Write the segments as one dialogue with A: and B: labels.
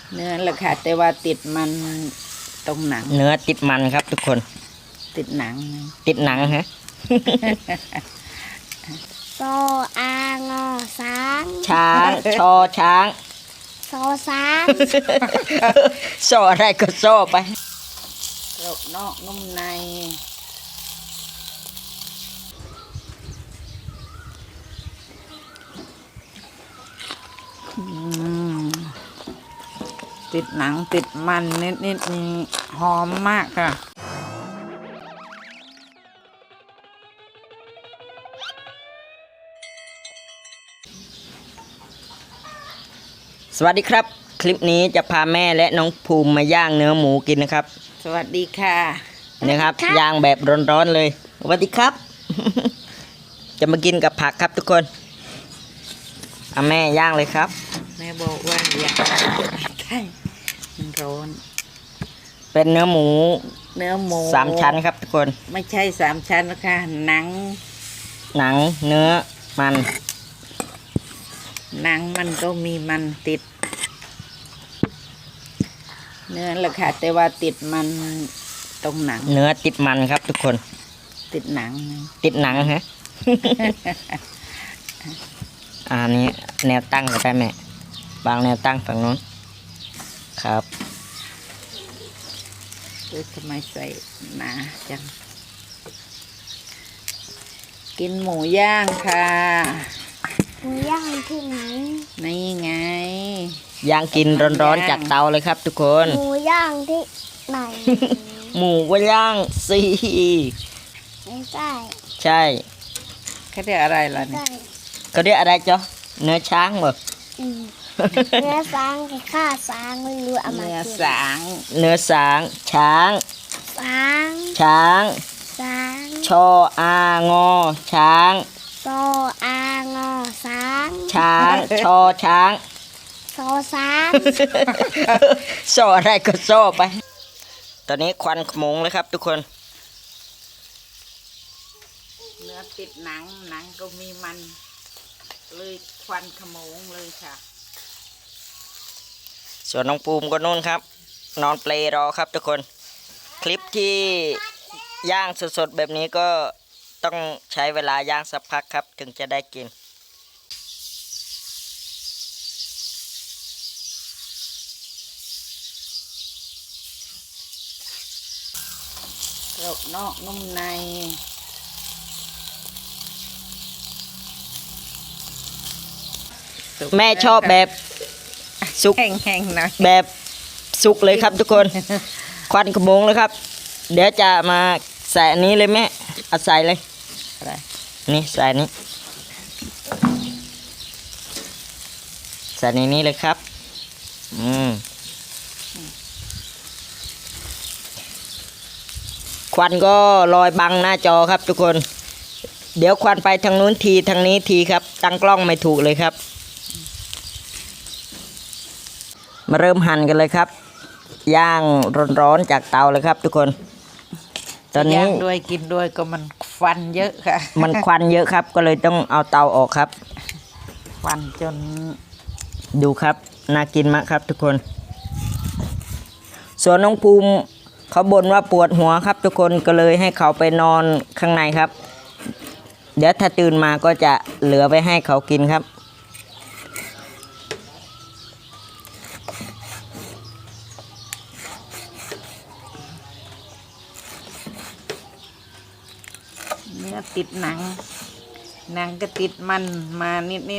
A: เนื้อแหละค่ะแต่ว่าติดมันตรงหนัง
B: เนื้อติดมันครับทุกคน
A: ติดหนัง
B: ติดหนังฮะ
C: โซอางอช้าง
B: ช้างชอช้าง
C: โซช้าง
B: โซอะไรก็โซไป
A: กรอบนอกนุ่มในติดหนังติดมันนิดนี่หอมมากค่ะ
B: สวัสดีครับคลิปนี้จะพาแม่และน้องภูมิมาย่างเนื้อหมูกินนะครับ
A: สวัสดีค่ะ
B: นะครับย่างแบบร้อนๆเลยสวัสดีครับ จะมากินกับผักครับทุกคนเอาแม่ย่างเลยครับ
A: แม่บอกว่าอยากใช่มันร้อน
B: เป็นเนื้อหมู3 ชั้นครับทุกคน
A: ไม่ใช่3 ชั้นนะคะหนัง
B: เนื้อมัน
A: หนังมันก็มีมันติดเนื้อแหละค่ะแต่ว่าติดมันตรงหนัง
B: เนื้อติดมันครับทุกคน
A: ติดหนัง
B: ฮะ อันนี้แนวตั้งก็ได้แม่บางแนวตั้งฝั่งนู้นครับ
A: ทำไมใส่หนาจังกินหมูย่างค่ะ
C: หมูย่างที่ไหน
A: นี่ไง
B: ย่างกินร้อนๆจากเตาเลยครับทุกคน
C: หมูย่างที่ไหน
B: หมูก็ย่างสิ
C: ไม่ใช่
B: ใช่
A: เขาเรียกอะไรล่ะเนี่ย
B: เขาเรียกอะไรจ๊ะเนื้อช้างเหรอ
C: เนื้อสางกับข้าสางไม่รู้เอามา
A: เนื้อสาง
B: เนื้อสางช้างชออางอช้าง
C: โซอางอช้าง
B: ช้างชอช้าง
C: โซช้าง
B: โซอะไรก็โซไปตอนนี้ควันขโมงเลยครับทุกคน
A: เนื้อติดหนังก็มีมันเลยควันขโมงเลยค่ะ
B: ส่วนน้องปูมก็นู่นครับนอนเปลรอครับทุกคนคลิปที่ย่างสดๆแบบนี้ก็ต้องใช้เวลาย่างสักพักครับถึงจะได้กิน
A: กรอบนอกนุ่มใน
B: แม่ชอบแบบสุก
A: แห้งๆหน่อย
B: แบบสุกเลยครับทุกคน ควันขโมงเลยครับเดี๋ยวจะมาใส่อันนี้เลยแม่เอาใส่เลยนี่ใส่นี้ใส่ในนี้เลยครับควันก็ลอยบังหน้าจอครับทุกคนเดี๋ยวควันไปทางนู้นทีทางนี้ทีครับตั้งกล้องไม่ถูกเลยครับมาเริ่มหั่นกันเลยครับย่างร้อนๆจากเตาเลยครับทุกคนตอนนี้
A: ย่างด้วยกินด้วยก็มันควันเยอะค่ะ
B: มันควันเยอะครับก็เลยต้องเอาเตาออกครับ
A: ควันจน
B: ดูครับน่ากินมากครับทุกคนส่วนน้องภูมิเขาบ่นว่าปวดหัวครับทุกคนก็เลยให้เขาไปนอนข้างในครับเดี๋ยวถ้าตื่นมาก็จะเหลือไปให้เขากินครับ
A: เนื้อติดหนังก็ติดมันมานิด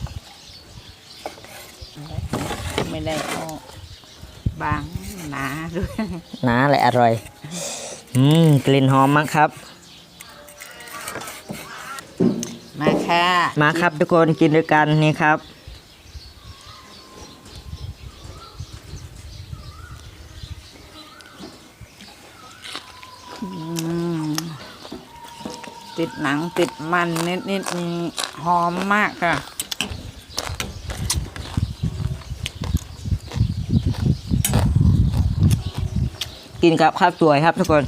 A: ไม่ได้เอาบางหนาด้วย
B: หนาและอร่อยกลิ่นหอมมากครับ
A: มาค่ะ
B: มาครับทุกคนกินด้วยกันนี่ครับ
A: ติดหนังติดมันนิดนี่หอมมากค่ะ
B: กินกับข้าวสวยครับทุกคน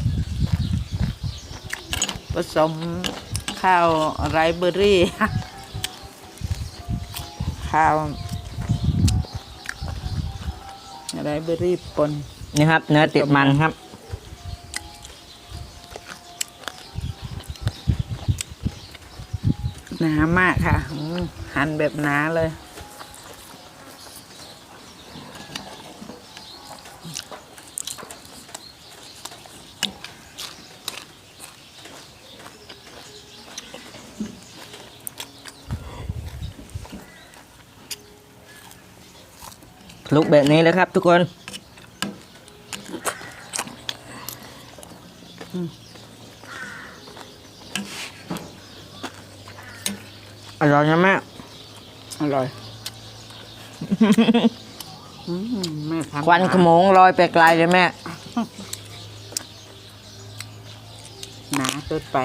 A: ผสมข้าวไรเบอรี่ข้าวอะไรเบอร์รี่ปน
B: นี่ครับ เนื้อติดมันครับ
A: หนามากค่ะหั่นแบบหนาเลย
B: ลุกแบบนี้เลยครับทุกคนอร่อยนะแม่
A: อร่อย แม่ทำ
B: ควันขโมงลอยไปไกลเลยแม่
A: หนาเกินไป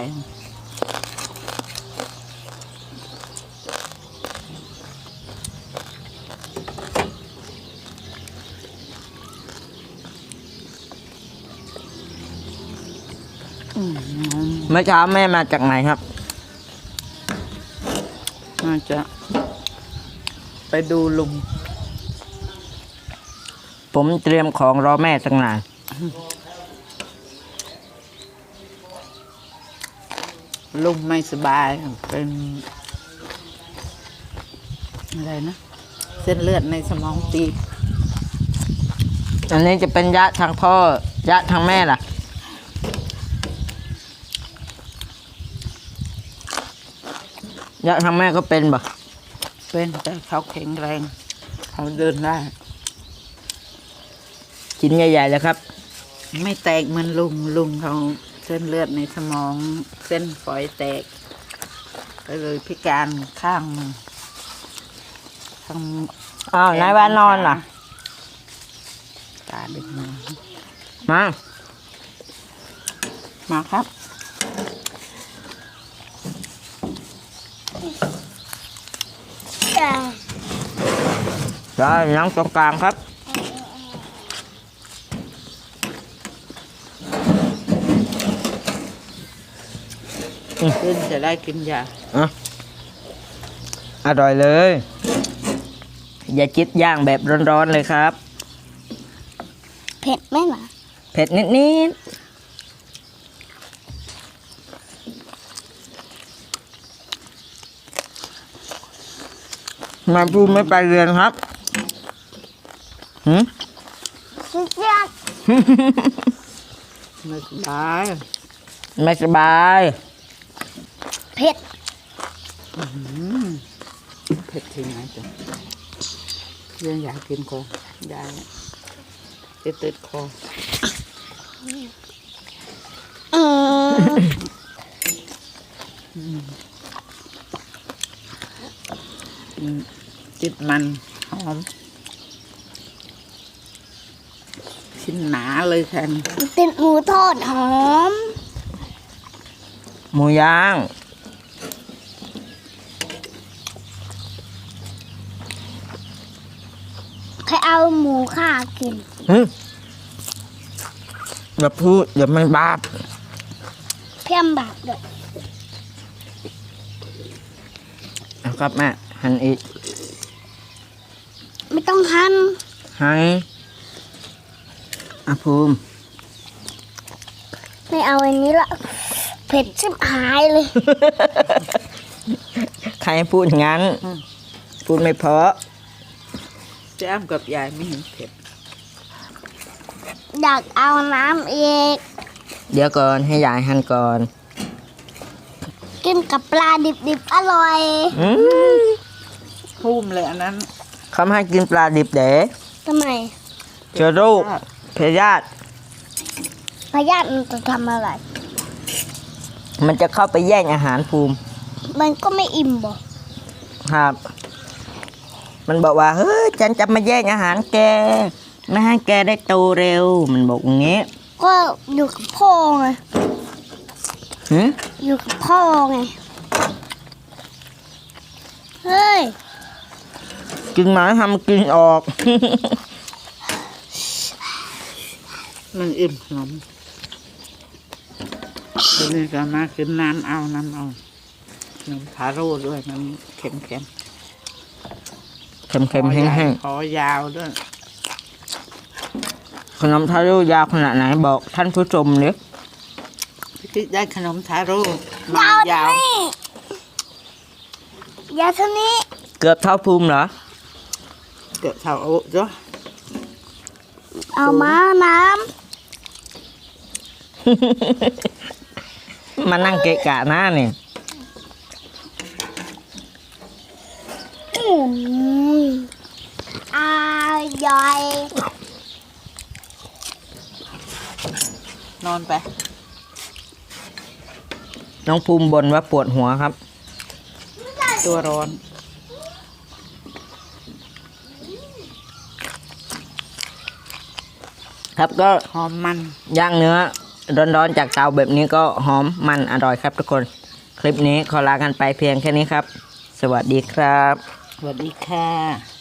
B: เมื่อเช้าแม่มาจากไหนครับ
A: น่าจะ ไปดูลุง
B: ผมเตรียมของรอแม่ตั้งนาน
A: ลุงไม่สบายเป็นอะไรนะ เส้นเลือดในสมองตีบ
B: อันนี้จะเป็นยะทางพ่อยะทางแม่ล่ะยะทางแม่ก็เป็นบ่
A: เป็นแต่เขาแข็งแรง เขาเดินได้
B: ชิ้นใหญ่ๆเลยครับ
A: ไม่แตกเหมือนลุงเขาเส้นเลือดในสมองเส้นฝอยแตก ก็เลยพิการข้างหนึ่งทั้ง
B: อ้าวนายว่านอนล่ะ
A: ตาดึกมา
B: มา
A: มาครับ
C: จ้า
B: ได้นั่งตรงกลางครับ
A: ขึ้นจะได้กินยา
B: อ่ะอร่อยเลย อย่าจิตย่างแบบร้อนๆเลยครับ
C: เผ็ดไหมล่ะ
B: เผ็ดนิดๆมาพูดไม่ไปเรียนครับหืม
C: สุดยอด
A: ไม่สบาย
B: ไม่สบาย
C: เผ็ด
A: เผ็ดที่ไหนจ้ะยังอยากกินก่อนยายจะติดคอ ติดมันหอมชิ้นหนาเลยค่ะ
C: ติดหมูทอดหอม
B: หมูย่าง
C: ใครเอาหมูข้ากิน
B: อย่าพูดอย่ามันบาป
C: เพี้ยมบาปด้วย
B: เอาครับแม่หั่นอีก
C: ไม่ต้องหั่น
B: ให้อาภูมิ
C: ไม่เอาอันนี้ละเผ็ดชิบหายเลย
B: ใครพูดอย่างนั้น พูดไม่เพราะ
A: เจ้ามกับยายไม่เห็นเผ็ด
C: อยากเอาน้ำอีก
B: เดี๋ยวก่อนให้ยายหั่นก่อน
C: กินกับปลาดิบๆอร่อย
A: พุ่มเลยอันนั้น
B: เขาไม่ให้กินปลาดิบเด๋
C: ทำไม
B: เจอโรคพยาธิ
C: พยาธิมันจะทำอะไร
B: มันจะเข้าไปแย่งอาหารภูมิ
C: มันก็ไม่อิ่มบ่
B: ครับ มันบอกว่า เฮ้ย ฉันจะมาแย่งอาหารแก ไม่ให้แกได้โตเร็ว มันบอกอย่างงี้
C: ก็อยู่กับพ่อไง
B: หืม
C: อยู่กับพ่อไง เฮ้ย
B: กินหมาทำกินออก
A: มันอิ่มขนมทีนี้ก็มากินน้ำเอาน้ำเอาขนมทาโร่ด้วยน้ำเค็ม
B: เค็มๆแห้ง
A: คอยาวด้วย
B: ขนมทาโร่ยาวขนาดไหนบอกท่านผู้ชมเลย
A: พี่ติ๊กได้ขนมทาโร่มายาว
C: ยาวเท่านี้
B: เกือบเท่าภูมิเหรอ
A: เกือบเท่าโอ๊ะจ้ะ
C: เอามาน้
B: มานั่งเกะกะหน้าเนี่ย
C: ำอร่อย
A: นอนไป
B: น้องภูมิบ่นว่าปวดหัวครับ
A: ตัวร้อน
B: ครับก็
A: หอมมัน
B: ย่างเนื้อร้อนๆจากเตาแบบนี้ก็หอมมันอร่อยครับทุกคน คลิปนี้ขอลากันไปเพียงแค่นี้ครับ สวัสดีครับ
A: สวัสดีค่ะ